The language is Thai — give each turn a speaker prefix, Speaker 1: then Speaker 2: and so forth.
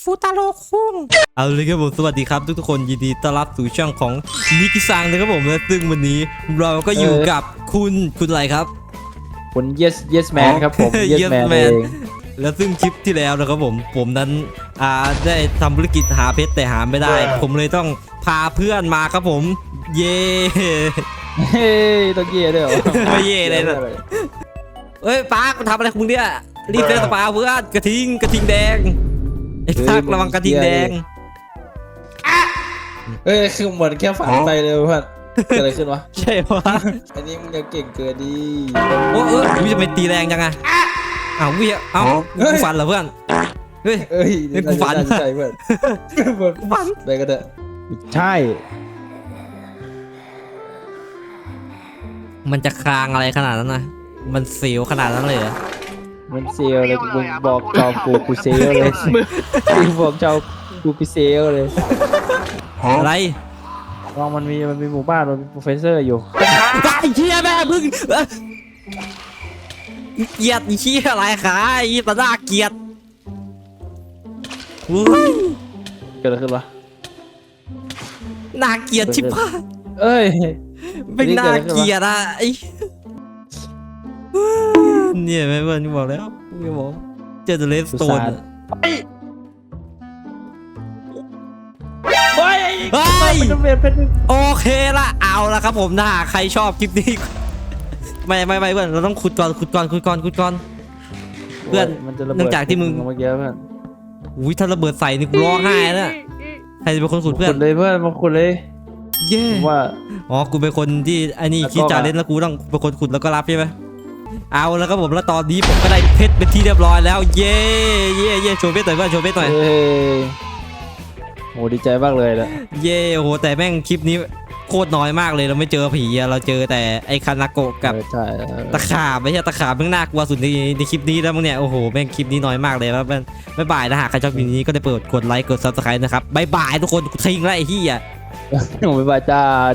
Speaker 1: ฟูตาโร่คุงเอาเลยครับผมสวัสดีครับทุกคนยินดีต้อนรับสู่ช่องของนิกิซังนะครับผมและซึ่งวันนี้เราก็อยู่กับคุณอะไรครับ
Speaker 2: คุณ yes man ครับผม yes man เอง
Speaker 1: แล้วซึ่งคลิปที่แล้วนะครับผมนั้นได้ทำธุรกิจหาเพชรแต่หาไม่ได้ผมเลยต้องพาเพื่อนมาครับผมเย่
Speaker 2: เฮ้ยต้องเย่ด้วยเหรอ
Speaker 1: ไม่เย่เลยนะเอ้ยป้าทำอะไรคุณเนี่ยรีบเล่นสปาเพื่อนกระทิงแดงไอ้ทักระวังกระทิงแดง
Speaker 2: คือเหมือนแค่ฝันไปเลยเพื่อนเกิดอะไรขึ้นวะ
Speaker 1: ใช่ปะ
Speaker 2: อันนี้มึงยังเก่งเกินดิ
Speaker 1: โอ้วิจะไปตีแรงจังอะวิกูฝันเหรอเพื่อนเฮ้ยกูฝัน
Speaker 2: ใช่เพื่อน
Speaker 1: กูฝัน
Speaker 2: ไปก็ได้ใช่
Speaker 1: มันจะคลางอะไรขนาดนั้นนะมันเสียวขนาดนั้นเลยเหรอ
Speaker 2: มันเซลเลยมึงบอกเจ้ากูเซลเลยมึงบอกเจ้ากูเซลเลย
Speaker 1: อะไร
Speaker 2: ลองมันมีหมู่บ้านมันมีโปรเฟสเซอร์อยู่
Speaker 1: ไอ้เชี่ยแม่พึ่งเกียดไอ้เชี่ยอะไรขาไอ้ตาหน้าเกียด
Speaker 2: เกิดอะไรขึ้นวะ
Speaker 1: น่าเกียดชิบหาย
Speaker 2: เอ้ย
Speaker 1: เป็นน่าเกียดอะไอ้เนี่ยแม่เพื่อนบอกแล้วพี่บอกเจอเลสโตนโอเคละเอาละครับผมถ้าใครชอบคลิปนี้ไม่เพื่อนเราต้องขุดก่อนเพื่อนเนื่องจากที่มึง
Speaker 2: เมื่อกี้เพื่อน
Speaker 1: อุ้ยถ้าระเบิดใส่นี่กูร้องไห้นะใครจะเป็นคนขุดเพื่อน
Speaker 2: เลยเพื่อนมาขุดเลย
Speaker 1: เย่
Speaker 2: ว่า
Speaker 1: กูเป็นคนที่ไอ้นี่คิดจะเล่นแล้วกูต้องเป็นคนขุดแล้วก็รับใช่ไหมเอาแล้วครับผมแล้วตอนนี้ผมก็ได้เพชรเป็นที่เรียบร้อยแล้วเย่โชว์เพชรหน่อยเพื่อนโชว์เพชรหน่อย
Speaker 2: โหดีใจมากเลยนะ
Speaker 1: เย่โหแต่แม่งคลิปนี้โคตรน้อยมากเลยเราไม่เจอผีเราเจอแต่ไอ้คานาโกะกับตะขาบไม่ใช่ตะขาบแม่งน่ากลัวสุดในคลิปนี้แล้วมึงเนี่ยโอ้โหแม่งคลิปนี้น้อยมากเลยแล้วบ๊ายบายนะฮะใครชอบคลิปนี้ก็ได้เปิดกดไลค์กดซับสไครต์นะครับบ๊ายบายทุกคนทิ้งแล้วไอ้เหี้ย
Speaker 2: บ๊ายบายจ้า